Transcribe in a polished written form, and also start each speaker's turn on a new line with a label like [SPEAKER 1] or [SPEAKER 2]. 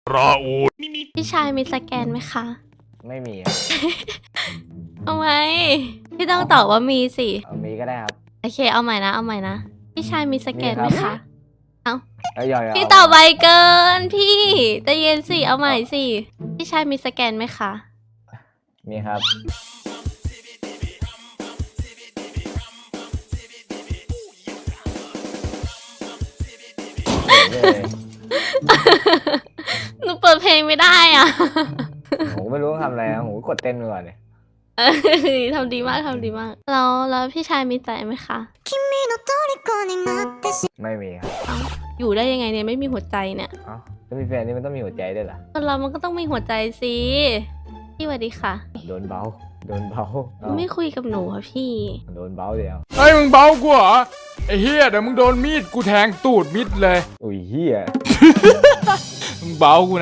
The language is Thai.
[SPEAKER 1] ราอูด
[SPEAKER 2] พี่ชายมีสแกนไหมคะ
[SPEAKER 3] ไม่มี
[SPEAKER 2] เอาไหมพี่ต้องตอบว่ามีสิ
[SPEAKER 3] มีก็ได้ครับ
[SPEAKER 2] โอเคเอาใหม่นะเอาใหม่นะพี่ชายมีสแกนไหม
[SPEAKER 3] มีครั
[SPEAKER 2] คะ
[SPEAKER 3] บ
[SPEAKER 2] เอา
[SPEAKER 3] ย่อย
[SPEAKER 2] พี่ตอบไวเกินพี่ใจเย็นสิเอาใหม่สิพี่ชายมีสแกนไหมคะ
[SPEAKER 3] มีครับ
[SPEAKER 2] หนูเปิดเพลงไม่ได้อ่ะ
[SPEAKER 3] ผมไม่รู้ต้องทำอะไรนะผมกดเต้นไปก่อนเลย
[SPEAKER 2] ทำดีมากทำดีมากแล้วพี่ชายมีใจไหมคะ
[SPEAKER 3] ไม่มีครับ
[SPEAKER 2] เอ้าอยู่ได้ยังไงเนี่ยไม่มีหัวใจเนี่ย
[SPEAKER 3] เอ้าถ้ามีแฟนนี่มันต้องมีหัวใจด้วยเหรอ
[SPEAKER 2] คนเรามันก็ต้องมีหัวใจสิพี่สวัสดีค่ะ
[SPEAKER 3] โดนเบาเอ้า
[SPEAKER 2] ไม่คุยกับหนูอะพี่
[SPEAKER 3] โดนเบาเดียว
[SPEAKER 1] เฮ้ยมึงเบากูเหรอไอ้เฮียเดี๋ยวมึงโดนมีดกูแทงตูดมิดเลย
[SPEAKER 3] อุ้ยเฮีย
[SPEAKER 1] มึงเบากูนะ